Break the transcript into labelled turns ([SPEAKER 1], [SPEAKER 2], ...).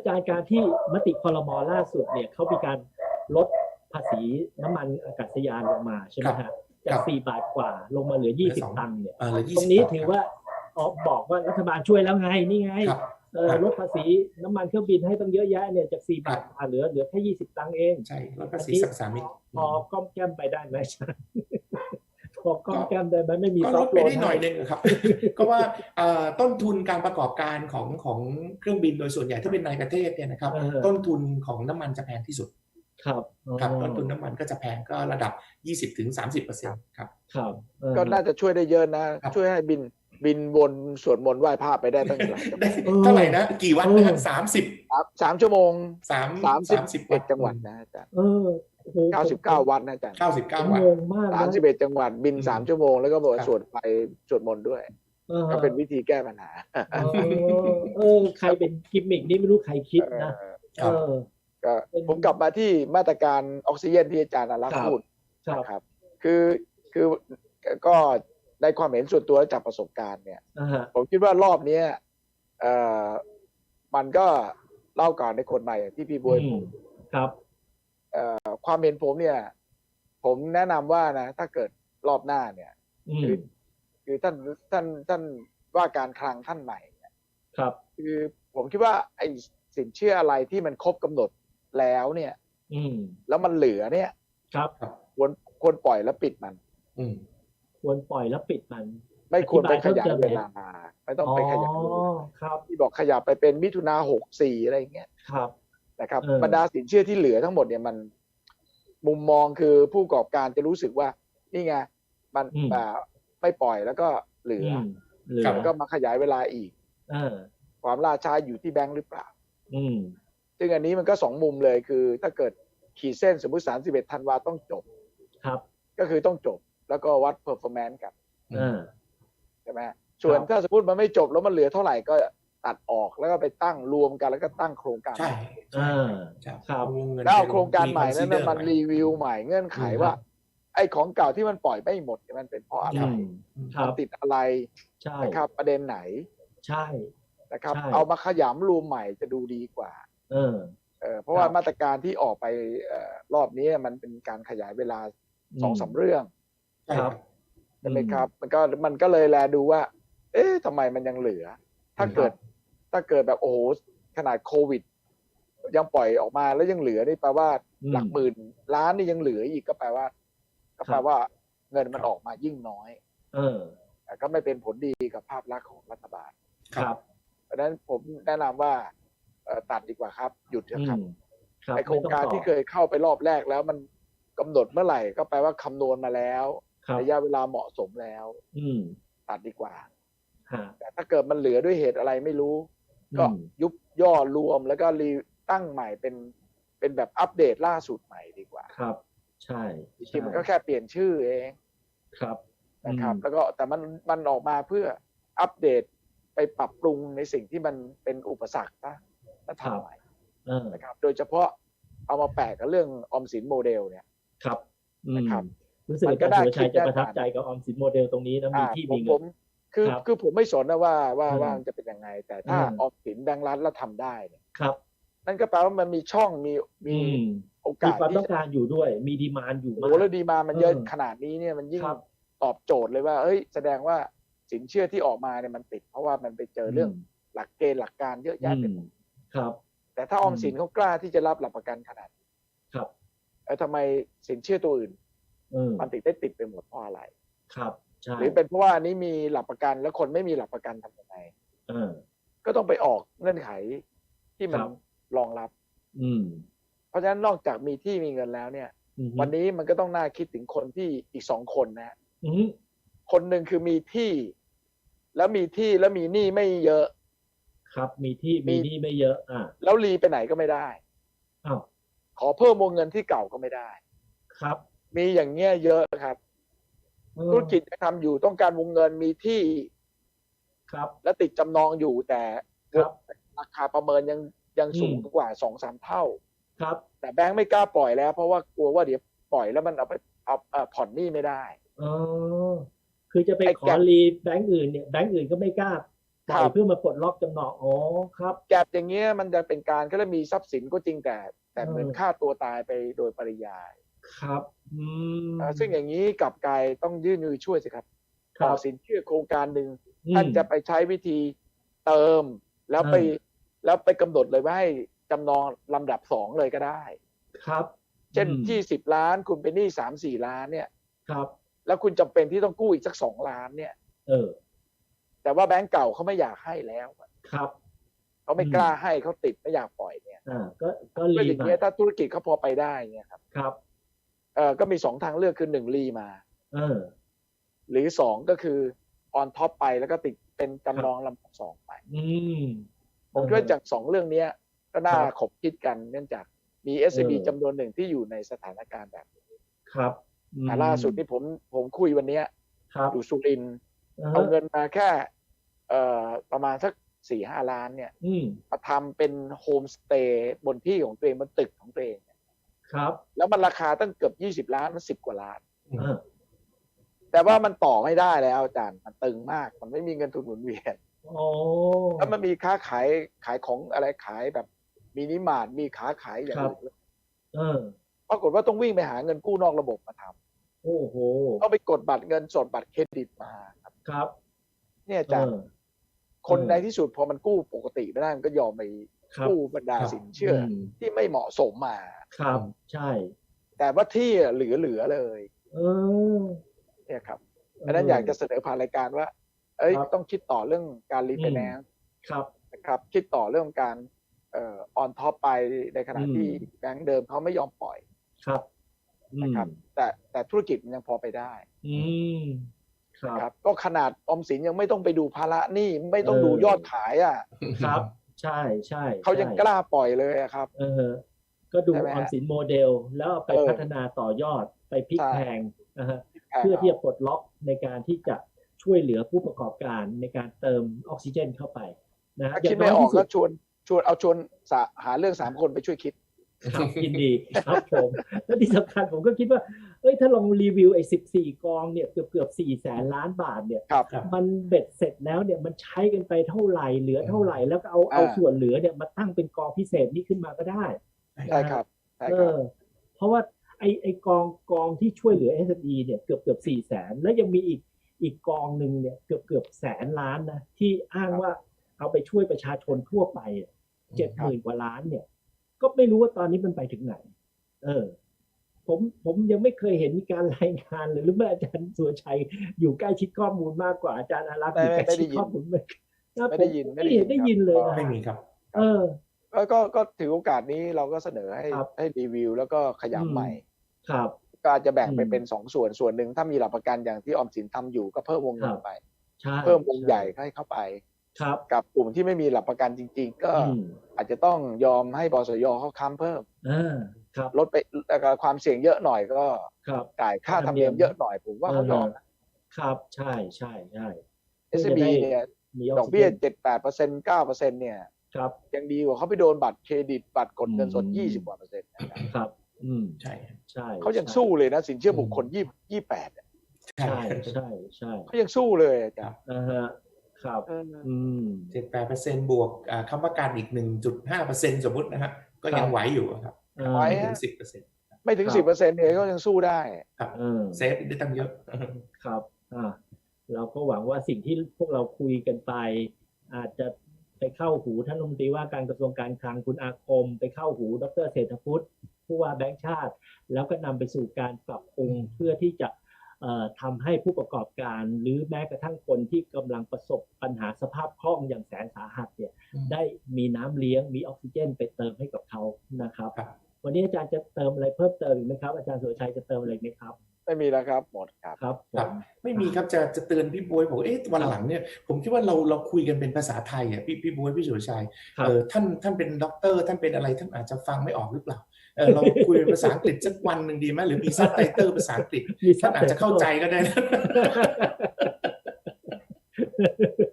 [SPEAKER 1] จารย์การที่มติครม.ล่าสุดเนี่ยเขามีการลดภาษีน้ำมันอากาศยานลงมาใช่ไหมฮะจาก4 บาทกว่าลงมาเหลือ20 ตังค์เนี่ยตรงนี้ถือว่าบอกว่ารัฐบาลช่วยแล้วไงนี่ไงลดภาษีน้ำมันเครื่องบินให้ต้องเยอะแยะเนี่ยจาก4 บาทเหลือแค่20 ตังค์เอง
[SPEAKER 2] ใช่ลดภาษีสรรพสามิต
[SPEAKER 1] พอก้อมแก้มไปได้ไหมพอก้อมแก้มได้ไหมไม่มี
[SPEAKER 2] ซอฟต์โลนได้หน่อยนึงครับก็ว่าต้นทุนการประกอบการของเครื่องบินโดยส่วนใหญ่ถ้าเป็นในประเทศเนี่ยนะครับต้นทุนของน้ำมันจะแพงที่สุดครับต้นทุนน้ำมันก็จะแพงก็ระดับ 20-30% ครับ
[SPEAKER 3] ก็น่าจะช่วยได้เยอะนะช่วยให้บินวนสวดมนต์ไหว้พระไปได้ตั้งหลาย
[SPEAKER 2] เท่าไหร่นะกี่วันนะครับ
[SPEAKER 3] 3 ชั่วโมง31 จังหวัดนะอาจารย์99 วันนะอาจารย์
[SPEAKER 2] 99 วัน
[SPEAKER 3] 31 จังหวัดบิน3 ชั่วโมงแล้วก็บอกสวดมนต์ด้วยก็เป็นวิธีแก้ปัญหา
[SPEAKER 1] ใครเป็นกิมมิกนี่ไม่รู้ใครคิดนะ
[SPEAKER 3] ก็ผมกลับมาที่มาตรการออกซิเจนที่อาจารย์อารักษ์พูดนะครับคือก็ในความเห็นส่วนตัวจากประสบการณ์เนี่ยผมคิดว่ารอบนี้มันก็เล่าก่อนในคนใหม่ที่พี่บวยพูด
[SPEAKER 1] ครับ
[SPEAKER 3] ความเห็นผมเนี่ยผมแนะนำว่านะถ้าเกิดรอบหน้าเนี่ยคือท่านว่าการคลังท่านใหม่เนี่ย
[SPEAKER 1] ครับ
[SPEAKER 3] คือผมคิดว่าไอ้สินเชื่ออะไรที่มันครบกำหนดแล้วเนี่ยแล้วมันเหลือเนี่ย
[SPEAKER 1] ครับ
[SPEAKER 3] ควรปล่อยแล้วปิดมัน
[SPEAKER 1] ควรปล่อยแล้วปิดมัน
[SPEAKER 3] ไม่ควรไปขยายเวลาไม่ต้องไปขยายที่บอกขยับไปเป็นมิถุนา64อะไรอย่างเงี้ยนะครับบรรดาสินเชื่อที่เหลือทั้งหมดเนี่ยมันมุมมองคือผู้ประกอบการจะรู้สึกว่านี่ไงมันไม่ปล่อยแล้วก็เหลือก็มาขยายเวลาอีกความล่าช้าอยู่ที่แบงค์หรือเปล่าซึ่งอันนี้มันก็2 มุมเลยคือถ้าเกิดขีดเส้นสมมุติ31 ธันวาต้องจบก็คือต้องจบแล้วก็วัด performance กันใช่ไหมส่วนถ้าสมมติมันไม่จบแล้วมันเหลือเท่าไหร่ก็ตัดออกแล้วก็ไปตั้งรวมกันแล้วก็ตั้งโครงการ
[SPEAKER 2] ใช่
[SPEAKER 3] แล้วเอาโครงการใหม่นั้นมันรีวิวใหม่เงื่อนไขว่าไอ้ของเก่าที่มันปล่อยไม่หมดมันเป็นเพราะอะไรมันติดอะไรนะครับประเด็นไหน
[SPEAKER 1] ใช่
[SPEAKER 3] นะครับเอามาขยำรวมใหม่จะดูดีกว่าเพราะว่ามาตรการที่ออกไปรอบนี้มันเป็นการขยายเวลา2-3 เรื่องใช่ไหมครับมันก็เลยแลดูว่าเอ๊ะทำไมมันยังเหลือถ้าเกิดแบบโอ้โหขนาดโควิดยังปล่อยออกมาแล้วยังเหลือนี่แปลว่าหลักหมื่นล้านนี่ยังเหลืออีกก็แปลว่าเงินมันออกมายิ่งน้อยก็ไม่เป็นผลดีกับภาพลักษณ์ของรัฐบาล
[SPEAKER 1] ครับ
[SPEAKER 3] เพราะฉะนั้นผมแนะนำว่าตัดดีกว่าครับหยุดเถอะครับไอโครงการที่เคยเข้าไปรอบแรกแล้วมันกำหนดเมื่อไหร่ก็แปลว่าคำนวณมาแล้วระยะเวลาเหมาะสมแล้วตัดดีกว่าแต่ถ้าเกิดมันเหลือด้วยเหตุอะไรไม่รู้ก็ยุบย่อรวมแล้วก็รีตั้งใหม่เป็นแบบอัปเดตล่าสุดใหม่ดีกว่า
[SPEAKER 1] ครับใช่
[SPEAKER 3] จริงๆมันก็แค่เปลี่ยนชื่อเอง
[SPEAKER 1] ครับ
[SPEAKER 3] นะครับแล้วก็แต่มันออกมาเพื่ออัปเดตไปปรับปรุงในสิ่งที่มันเป็นอุปสรรคนะและทำใหม่นะครับโดยเฉพาะเอามาแปะกับเรื่องออมสินโมเดลเนี่ย
[SPEAKER 1] ครับ
[SPEAKER 3] นะครับ
[SPEAKER 1] รู้สึกว่าสุรชัยจะประทับใจกับออมสินโมเดลตรงนี้นะมีที่มีเงิน
[SPEAKER 3] คือผมไม่สนนะว่าจะเป็นยังไงแต่ถ้าออมสินแบงก์รัฐแล้วทำได้เนี่ย
[SPEAKER 1] ครับ
[SPEAKER 3] นั่นก็แปลว่ามันมีช่องมีโอกาส
[SPEAKER 1] มีความต้องการอยู่ด้วยมีดีมานด์อยู่มาก
[SPEAKER 3] แล้วดีมานด์มันเยอะขนาดนี้เนี่ยมันยิ่งตอบโจทย์เลยว่าเอ้ยแสดงว่าสินเชื่อที่ออกมาเนี่ยมันติดเพราะว่ามันไปเจอเรื่องหลักเกณฑ์หลักการเยอะแยะไปหมด
[SPEAKER 1] ครับ
[SPEAKER 3] แต่ถ้าออมสินเขากล้าที่จะรับหลักประกันขนาด
[SPEAKER 1] ครับ
[SPEAKER 3] ทำไมสินเชื่อตัวอื่นมันติดไปหมดเพราะอะไร
[SPEAKER 1] ครับใช่
[SPEAKER 3] หรือเป็นเพราะว่านี้มีหลักประกันแล้วคนไม่มีหลักประกันทำยังไงก็ต้องไปออกเงื่อนไขที่มันรองรับเพราะฉะนั้นนอกจากมีที่มีเงินแล้วเนี่ยวันนี้มันก็ต้องน่าคิดถึงคนที่อีก2 คนนะคนหนึ่งคือมีที่แล้วมีหนี้ไม่เยอะ
[SPEAKER 1] ครับมีที่มีหนี้ไม่เยอะ
[SPEAKER 3] แล้วรีไปไหนก็ไม่ได้ขอเพิ่มวงเงินที่เก่าก็ไม่ได้
[SPEAKER 1] ครับ
[SPEAKER 3] มีอย่างเงี้ยเยอะครับธุรกิจจะทำอยู่ต้องการวงเงินมีที่
[SPEAKER 1] ครับ
[SPEAKER 3] และติดจำนองอยู่แต่ราคาประเมินยังสูงกว่า 2-3 เท่า
[SPEAKER 1] ครับ
[SPEAKER 3] แต่แบงค์ไม่กล้าปล่อยแล้วเพราะว่ากลัวว่าเดี๋ยวปล่อยแล้วมันเอาผ่อนหนี้ไม่ได้
[SPEAKER 1] คือจะไปขอรีแบงค์อื่นเนี่ยแบงค์อื่นก็ไม่กล้าปล่อยเพื่อมาปลดล็อกจำนองอ๋อครับ
[SPEAKER 3] แกบอย่างเงี้ยมันจะเป็นการก็จะมีทรัพย์สินก็จริงแต่เหมือนฆ่าตัวตายไปโดยปริยาย
[SPEAKER 1] ครับ
[SPEAKER 3] ซึ่งอย่างนี้กลับกลายต้องยื่นมือช่วยสิครับต่อสินเชื่อโครงการหนึ่งท่านจะไปใช้วิธีเติมแล้วไปกำหนดเลยว่าให้จำนองลำดับ2เลยก็ได้
[SPEAKER 1] ครับ
[SPEAKER 3] เช่นที่10 ล้านคุณเป็นหนี้3-4 ล้านเนี่ย
[SPEAKER 1] ครับ
[SPEAKER 3] แล้วคุณจำเป็นที่ต้องกู้อีกสัก2 ล้านเนี่ยแต่ว่าแบงก์เก่าเขาไม่อยากให้แล้ว
[SPEAKER 1] ครับ
[SPEAKER 3] เขาไม่กล้าให้เขาติดไม่อยากปล่อยเนี่ย
[SPEAKER 1] ก็
[SPEAKER 3] อย่างเงี้ยถ้าธุรกิจเขาพอไปได้เนี่ยครับ
[SPEAKER 1] ครับ
[SPEAKER 3] ก็มี2ทางเลือกคือ1รีมาหรือ2ก็คือออนท็อปไปแล้วก็ติดเป็นจำนองลำดับ2ไปผมคิดว่าจาก2เรื่องนี้ก็น่าขบคิดกันเนื่องจากมี SME จำนวนหนึ่งที่อยู่ในสถานการณ์แบบนี้
[SPEAKER 1] ครับ
[SPEAKER 3] ล่าสุดที่ผมคุยวันนี้อยู่สุรินทร์เอาเงินมาแค่ประมาณสัก 4-5 ล้านเนี่ยมาทำเป็นโฮมสเตย์บนที่ของตัวเองบนตึกของตัวเอง
[SPEAKER 1] ครับ
[SPEAKER 3] แล้วมันราคาตั้งเกือบ20 ล้านมัน10 กว่าล้านแต่ว่ามันต่อไม่ได้แล้วอาจารย์มันตึงมากมันไม่มีเงินทุนหมุนเวียนแล้วมันมีค้าขายของอะไรขายแบบมินิมาร์ทมีค้าขายอย่างอื่นปรากฏว่าต้องวิ่งไปหาเงินกู้นอกระบบมาทำ
[SPEAKER 1] โอ้โห
[SPEAKER 3] ต้องไปกดบัตรเงินสดบัตรเครดิตมา
[SPEAKER 1] ครับ
[SPEAKER 3] เนี่ยอาจารย์คนในที่สุดพอมันกู้ปกติไม่ได้มันก็ยอมไปกู้บรรดาสินเชื่อที่ไม่เหมาะสมมา
[SPEAKER 1] ครับใช่
[SPEAKER 3] แต่ว่าที่เหลือเลยเนี่ยครับอันนั้นอยากจะเสนอผ่านรายการว่าต้องคิดต่อเรื่องการรีไฟแนนซ์นะครับคิดต่อเรื่องการออนท็อปไปในขณะที่แบงก์เดิมเขาไม่ยอมปล่อย
[SPEAKER 1] ครับ
[SPEAKER 3] นะครับแต่ธุรกิจมันยังพอไปได้ครับก็ขนาดออมสินยังไม่ต้องไปดูภาระหนี้ไม่ต้องดูยอดขาย
[SPEAKER 1] ครับใช่ใช่
[SPEAKER 3] เขายังกล้าปล่อยเลยครับ
[SPEAKER 1] ก็ดูออมสินโมเดลแล้วไปพัฒนาต่อยอดไปพลิกแพงนะฮะเพื่อที่จะปลดล็อกในการที่จะช่วยเหลือผู้ประกอบการในการเติมออกซิเจนเข้าไปนะ
[SPEAKER 3] คิดไม่ออกก็ชวนหาเรื่อง3 คนไปช่วยคิด
[SPEAKER 1] ครับยินดีครับผมและที่สำคัญผมก็คิดว่าถ้าลองรีวิวไอ้14 กองเนี่ยเกือบ400,000 ล้านบาทเนี่ยมันเบ็ดเสร็จแล้วเนี่ยมันใช้กันไปเท่าไหร่เหลือเท่าไหร่แล้วก็เอาส่วนเหลือเนี่ยมาตั้งเป็นกองพิเศษนี้ขึ้นมาก็ได้
[SPEAKER 3] ใช่ครับ
[SPEAKER 1] เพราะว่าไอ้กองที่ช่วยเหลือ SME เนี่ยเกือบ400,000แล้วยังมีอีกกองหนึ่งเนี่ยเกือบ100,000 ล้านนะที่อ้างว่าเอาไปช่วยประชาชนทั่วไป70,000 กว่าล้านเนี่ยก็ไม่รู้ว่าตอนนี้มันไปถึงไหนผมยังไม่เคยเห็นมีการรายงานเลยหรือว่าอาจารย์สุรชัยอยู่ใกล้ชิดข้อมูลมากกว่าอาจารย์อารักษ์อยู่ใกล้ชิดข้อมูล
[SPEAKER 3] ไม่ได้ยิน
[SPEAKER 1] เลยนะ
[SPEAKER 2] ไม่มีครับ
[SPEAKER 3] ก็ถือโอกาสนี้เราก็เสนอให้รีวิวแล้วก็ขยับใหม่
[SPEAKER 1] ครับ
[SPEAKER 3] ก็อาจจะแบ่งไปเป็น2 ส่วนหนึ่งถ้ามีหลักประกันอย่างที่ออมสินทำอยู่ก็เพิ่มวงเงินไปเพิ่มวงใหญ่ให้เข้าไปกับกลุ่มที่ไม่มีหลักประกันจริงๆก็อาจจะต้องยอมให้บสย.เขาค้ำเพิ่มลดไปความเสี่ยงเยอะหน่อยก็จ่ายค่าธรรมเนียมเยอะหน่อยผมว่าเขายอม
[SPEAKER 1] ครับใช่
[SPEAKER 3] SME เนี่ยดอกเบี้ย 7-8% 9% เนี่ยยังดีกว่าเขาไปโดนบัตรเครดิตบัตรกดเงินสด20 กว่า%
[SPEAKER 1] ครับ
[SPEAKER 2] ใช่
[SPEAKER 3] เขายังสู้เลยนะสินเชื่อบุคคล28
[SPEAKER 1] ใช่
[SPEAKER 3] เขายังสู้เลยอาจารย์
[SPEAKER 1] ครับ
[SPEAKER 2] 7-8%บวกคำว่าการอีก 1.5% สมมุตินะครับก็ยังไหวอยู่ครับ
[SPEAKER 3] ไม่ถึง 10%ไม่ถึง 10% เนี่ยก็ยังสู้ได้
[SPEAKER 2] ครับเซฟได้ตั้งเยอะ
[SPEAKER 1] ครับเราก็หวังว่าสิ่งที่พวกเราคุยกันไปอาจจะไปเข้าหูท่านรัฐมนตรีว่าการกระทรวงการคลังคุณอาคมไปเข้าหูดร.เศรษฐพุทธผู้ว่าแบงก์ชาติแล้วก็นำไปสู่การปรับปรุงเพื่อที่จะทำให้ผู้ประกอบการหรือแม้กระทั่งคนที่กำลังประสบปัญหาสภาพคล่องอย่างแสนสาหัสเนี่ยได้มีน้ำเลี้ยงมีออกซิเจนไปเติมให้กับเขานะครับวันนี้อาจารย์จะเติมอะไรเพิ่มเติมอีกไหมครับอาจารย์สุรชัยจะเติมอะไรไหมครับ
[SPEAKER 3] ไม่มีแล้วครับหมดครับ
[SPEAKER 1] ครับ
[SPEAKER 2] ไม่มีครับจะเตือนพี่บ๊วยบอกวันหลังเนี่ยผมคิดว่าเราคุยกันเป็นภาษาไทยพี่บ๊วยพี่สุรชัยท่านเป็นด็อกเตอร์ท่านเป็นอะไรท่านอาจจะฟังไม่ออกหรือเปล่าเราคุยเป็นภาษาอังกฤษสักวันหนึ่งดีไหมหรือมีซับไตเติลภาษาอังกฤษท่านอาจจะเข้าใจก็ได้